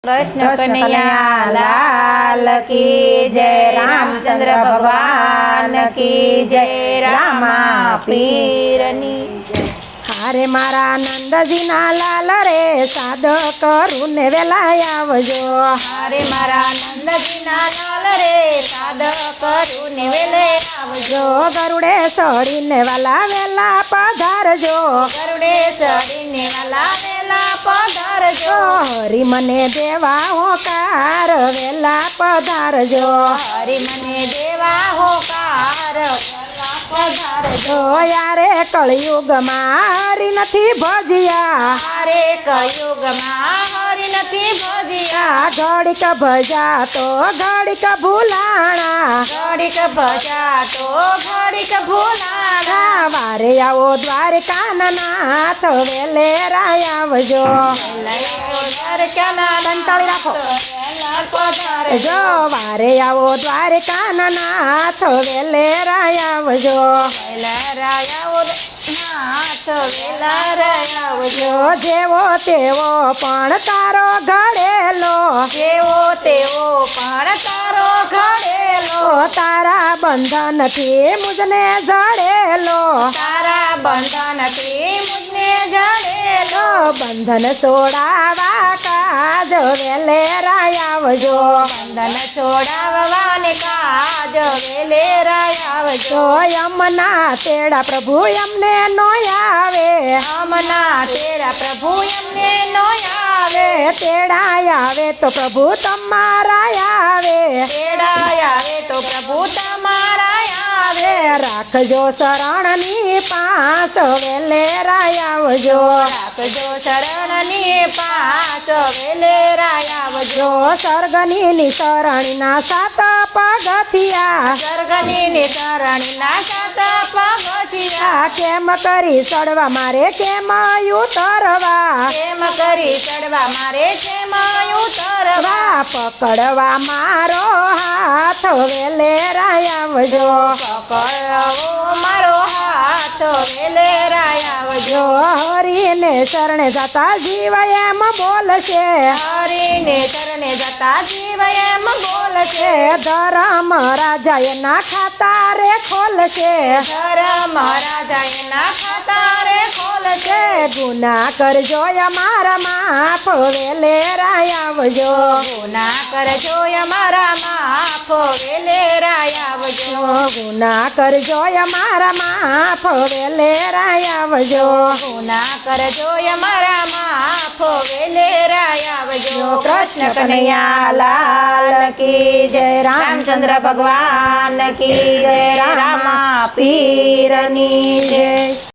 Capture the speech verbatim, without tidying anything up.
कृष्ण कन्हैया लाल की जय। रामचंद्र भगवान की जय। रामा पीरनी जय। हारे मारा नंदजी ना लाल रे साद करून वेला आवजो। हारे मारा नंदजी ना लाल रे साद करून वेले आवजो। गरुडे सड़ीने वाला वेला पधारजो। गरुडे चढ़ीने वाला वेला पधारजो। हरि मने देवा होकार वेला पधारजो। हरि मने देवा होकार वेला पधारजो। यारे कलयुग हरि नथी भजिया। हारे कलयुग हरि नथी भजिया। घड़ीक भजा तो घड़ीक भूलाणा। घड़ीक भजा तो घड़ीक भूलाणा। वारे आओ द्वारका नाथ वेले आवजो। कंटाળી રાખો જો વારે આવો દ્વારકા નાથ વેલે આવજો। જો જેવો તેવો પણ તારો ઘડેલો। જેવો તેવો પણ તારો ઘડેલો। તારા બંધનથી મુજને જડેલો। તારા બંધનથી મુજને જડેલો। બંધન છોડાવા કાજ વેલે આવજો। બંધન છોડાવવાને કાજ વેલે આવજો। યમના તેડા પ્રભુ એમને નો આવે। અમના તેરા પ્રભુ એમને નો આવે। તેડા આવે તો પ્રભુ તમારા આવે। તેડા આવે તો પ્રભુ તમારા આવે। રાખજો શરણની પાસ વેલે આવજો। રાખજો શરણની પાસ વેલે આવજો। સ્વર્ગની શરણીના સાત પગથિયા। સ્વર્ગની શરણીના સાત પગથિયા। કેમ કરી ચડવા મારે કેમ ઉતરવા। કેમ કરી ચડવા મારે કેમ ઉતરવા। પકડવા મારો હાથ વેલે આવજો। પકડવો મારો હાથ વેલે આવજો। હરીને શરણે જતા જીવ એમ બોલશે। હરીને ચરણે જતા જીવ એમ બોલશે। ધરમ રાજા એના ખાતા રે ખોલશે। ધરમ રાજા એના ખાતા રે ખોલશે। ગુના કરજો અમારા માફ વેલે આવજો। ગુના કરજો અમારા માફ વેલે આવજો। ગુના કરજો અમારા માફ વેલે આવજો। ગુના કરજો અમારા માફ વેલે આવજો। कृष्ण कन्हैया लाल की जय। रामचंद्र भगवान की जय। रामा पीरनी जय।